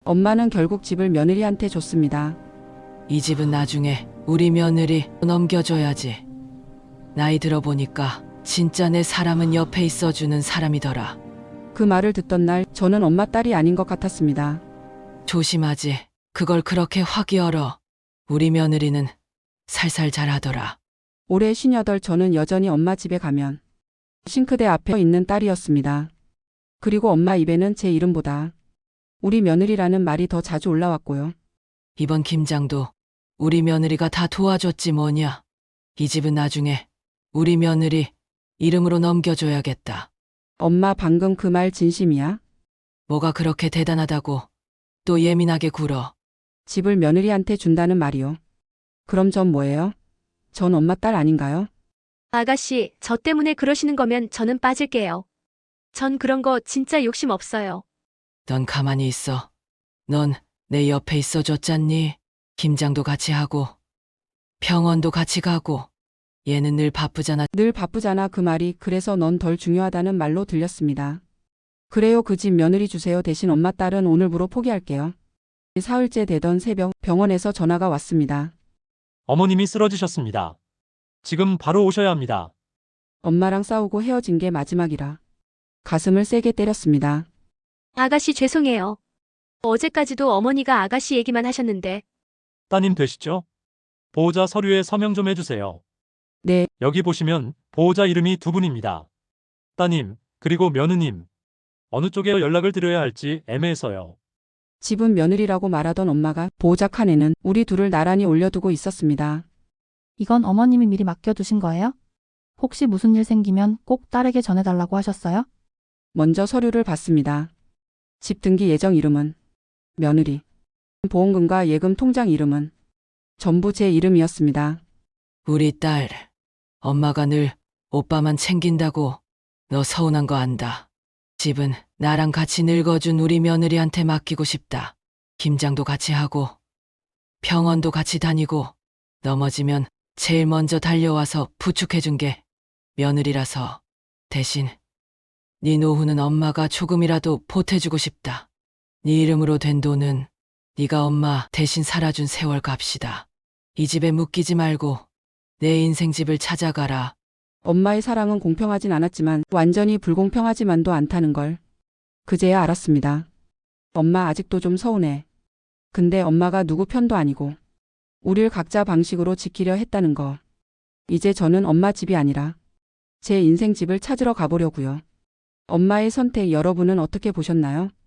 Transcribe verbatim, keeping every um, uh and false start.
엄마는 결국 집을 며느리한테 줬습니다. 이 집은 나중에 우리 며느리 넘겨줘야지. 나이 들어보니까 진짜 내 사람은 옆에 있어주는 사람이더라. 그 말을 듣던 날 저는 엄마 딸이 아닌 것 같았습니다. 조심하지. 그걸 그렇게 확 열어. 우리 며느리는 살살 잘하더라. 올해 쉰여덟 저는 여전히 엄마 집에 가면 싱크대 앞에 있는 딸이었습니다. 그리고 엄마 입에는 제 이름보다 우리 며느리라는 말이 더 자주 올라왔고요. 이번 김장도 우리 며느리가 다 도와줬지 뭐냐. 이 집은 나중에 우리 며느리 이름으로 넘겨줘야겠다. 엄마 방금 그 말 진심이야? 뭐가 그렇게 대단하다고 또 예민하게 굴어. 집을 며느리한테 준다는 말이요. 그럼 전 뭐예요? 전 엄마 딸 아닌가요? 아가씨, 저 때문에 그러시는 거면 저는 빠질게요. 전 그런 거 진짜 욕심 없어요. 넌 가만히 있어. 넌 내 옆에 있어줬잖니. 김장도 같이 하고 병원도 같이 가고. 얘는 늘 바쁘잖아. 늘 바쁘잖아. 그 말이 그래서 넌 덜 중요하다는 말로 들렸습니다. 그래요. 그 집 며느리 주세요. 대신 엄마 딸은 오늘부로 포기할게요. 사흘째 되던 새벽 병원에서 전화가 왔습니다. 어머님이 쓰러지셨습니다. 지금 바로 오셔야 합니다. 엄마랑 싸우고 헤어진 게 마지막이라 가슴을 세게 때렸습니다. 아가씨 죄송해요. 어제까지도 어머니가 아가씨 얘기만 하셨는데. 따님 되시죠? 보호자 서류에 서명 좀 해주세요. 네, 여기 보시면 보호자 이름이 두 분입니다. 따님, 그리고 며느님. 어느 쪽에 연락을 드려야 할지 애매해서요. 집은 며느리라고 말하던 엄마가 보호자 칸에는 우리 둘을 나란히 올려두고 있었습니다. 이건 어머님이 미리 맡겨두신 거예요? 혹시 무슨 일 생기면 꼭 딸에게 전해달라고 하셨어요? 먼저 서류를 봤습니다. 집 등기 예정 이름은 며느리, 보험금과 예금 통장 이름은 전부 제 이름이었습니다. 우리 딸, 엄마가 늘 오빠만 챙긴다고 너 서운한 거 안다. 집은 나랑 같이 늙어준 우리 며느리한테 맡기고 싶다. 김장도 같이 하고 병원도 같이 다니고 넘어지면 제일 먼저 달려와서 부축해준 게 며느리라서 대신 네 노후는 엄마가 조금이라도 보태주고 싶다. 네 이름으로 된 돈은 네가 엄마 대신 살아준 세월 값이다. 이 집에 묶이지 말고 내 인생 집을 찾아가라. 엄마의 사랑은 공평하진 않았지만 완전히 불공평하지만도 않다는 걸 그제야 알았습니다. 엄마 아직도 좀 서운해. 근데 엄마가 누구 편도 아니고 우릴 각자 방식으로 지키려 했다는 거. 이제 저는 엄마 집이 아니라 제 인생 집을 찾으러 가보려고요. 엄마의 선택 여러분은 어떻게 보셨나요?